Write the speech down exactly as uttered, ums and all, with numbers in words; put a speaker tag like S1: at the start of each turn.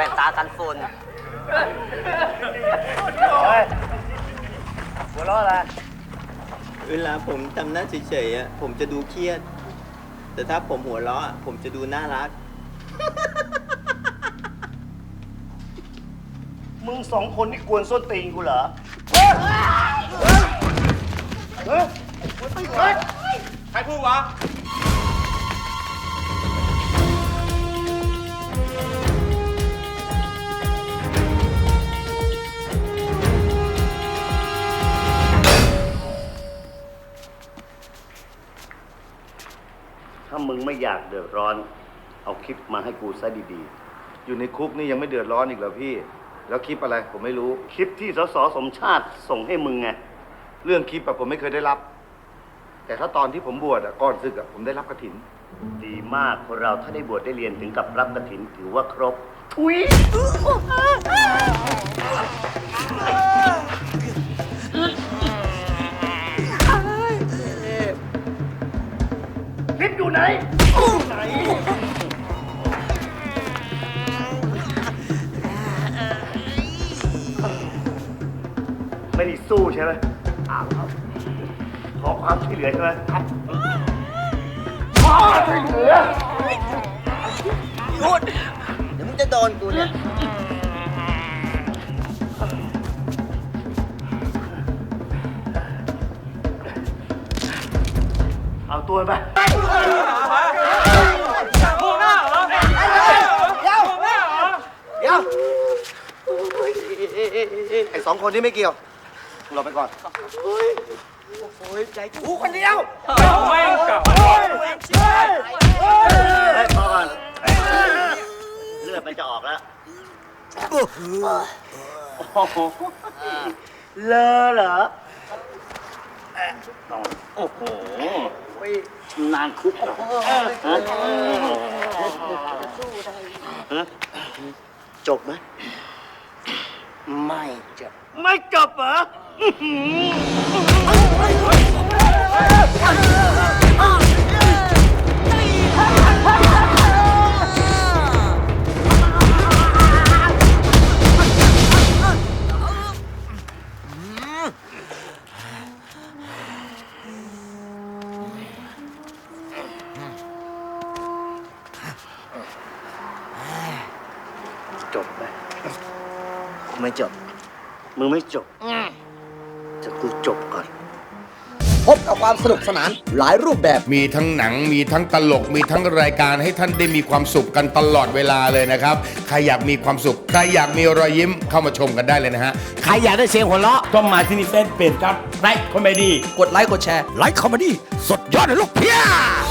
S1: ว่นตากันฝุ่น
S2: หัวเราะอะไร
S3: เวลาผมทำหน้าเฉยๆอ่ะผมจะดูเครียดแต่ถ้าผมหัวเราะผมจะดูน่ารัก
S2: มึงสองคนนี่กวนส้นตีนกูเหรอเฮ้ยเฮ้ยใครพูดวะถ้ามึงไม่อยากเดือดร้อนเอาคลิปมาให้กูซะดีๆอยู่ในคุกนี่ยังไม่เดือดร้อนอีกเหรอพี่แล้วคลิปอะไรผมไม่รู้คลิปที่สสสมชาติส่งให้มึงไงเรื่องคลิปอะผมไม่เคยได้รับแต่ถ้าตอนที่ผมบวชอะก่อนศึกอะผมได้รับกฐินดีมากคนเราถ้าได้บวชได้เรียนถึงกับรับกฐินถือว่าครบทุยคลิปอยู่ไหนอยู่ไหนไม่ได้สู้ใช่ไหมอ้าวขอความช่วยเหลือใช่ไหมครับขอความช่วยเหลือ
S3: หยุดเดี๋ยวมึงจะโดนกูเนี่ย
S2: เอาตัวไป
S3: มองหน้าเหรอเดี๋ยวเดี๋ยวไอ้สองคนนี้ไม่เกี่ยวเราไปก่อนโอ้ยใจกูคนเดียว
S4: ไม่กลับ
S2: เฮ้ยพอก่อนเลือดมันจะออกแล้วเลอะเหรอโอ้โหนานคุกเหรอจบไหมไม่จบไม่จบเหรอจบไหมไม่จบมึงไม่จบจะกูจบก่อน
S5: พบกับความสนุกสนานหลายรูปแบบ
S6: มีทั้งหนังมีทั้งตลกมีทั้งรายการให้ท่านได้มีความสุขกันตลอดเวลาเลยนะครับใครอยากมีความสุขใครอยากมีรอยยิ้มเข้ามาชมกันได้เลยนะฮะ
S5: ใครอยากได้เสียงหัวเราะ
S4: ต้องมาที่นี่เฟซเพจครับไลค์คอมเมดี้
S5: กดไลค์กดแชร์ไลค์คอมเมดี้สดยอดเลยลูกเพีย